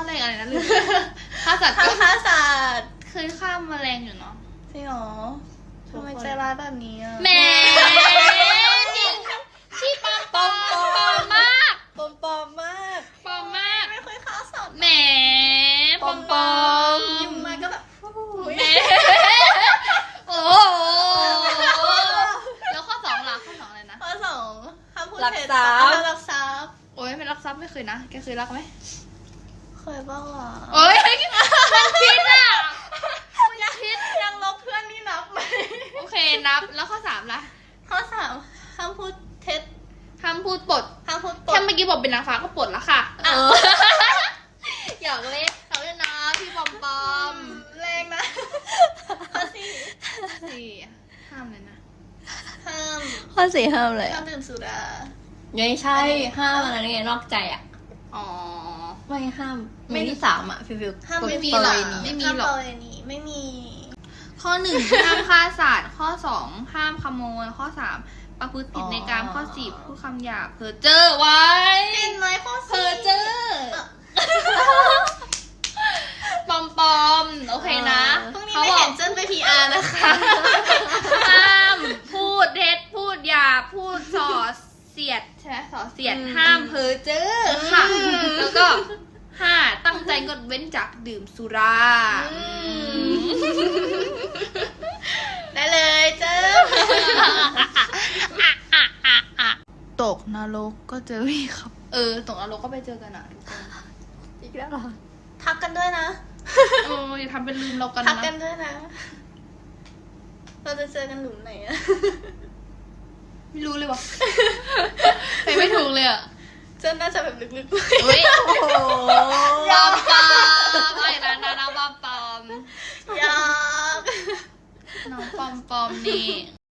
แรงอะไรนะลืมฆ่าสัตว์ฆ่าสัตว์เคยฆ่าแมลงอยู่เนาะจริงเหรอทำไมใจร้ายแบบนี้อ่ะแหมชีปอมปอมมากปอมมากปอมมากไม่เคยฆ่าสัตว์แหมปอมยุ่งมาก็แบบแหมโอ้แล้วข้อสองล่ะข้อสองอะไรนะข้อสองห้ามพูดรักเท็จทรัพย์รักทรัพย์โอ้ยไม่รักทรัพย์ไม่เคยนะแกเคยรักไหมเคยบ้างอ่ะโอ้ยมันคิดอ่ะมันคิดยังลบเพื่อนนี่นับไหมโอเคนับแล้วข้อสามล่ะข้อสามห้ามพูดเท็จห้ามพูดปดห้ามพูดปแค่ดเมื่อกี้บอกเป็นนางฟ้าก็ปลดแล้วค่ะหยอกเล่นเขาเลยนะพี่ปอมปอมแรงนะข้อสี่สี่ห้ามเลยนะห้ามข้อสี่ห้ามเลยห้ามดื่มสุราไม่ใช่ห้ามอะไรไงนอกใจอ่ะอ๋อไม่ห้ามไม่ที่สามอ่ะฟิวห้ามไม่มีประหรอกเวณีไม่มีห้ามหรอกประเวณีไม่มีข้อหนึ่งห้ามฆ่าสัตว์ข้อสองห้ามขโมยข้อสามประพฤติผิดในกามข้อสี่พูดคำหยาบเพ้อเจ้อไว้เห็นไหมข้อเพ้อสี่เจ้อปอมปอมโอเคนะพรุ่งนี้เขาไม่บอเห็กนเจิ้นไป PR นะคะห้ามพูดเท็จพูดหยาบพูดส่อเสียดใช่ไหมส่อเสียดห้ามเพ้อเจ้อค่ะ แล้วก็ห้าตั้งใจงดเว้นจากดื่มสุราได้เลยเจิ้นตกนรกก็เจอพี่ครับ ตกนรกก็ไปเจอกันอ่ะทุกคนอีกแล้วเหรอทักกันด้วยนะอย่าทำเป็นลืมเรากันทักนะกันด้วยนะ เราจะเจอกันหลุมไหนอะไม่รู้เลยวะไปไม่ถูกเลยอ่ะเจิ้นน่าจะแบบลึกเฮ้ยโอ้โหปอมปอมไอ้นะน้องปอมปอมๆ อยากน้องปอมปอมนี่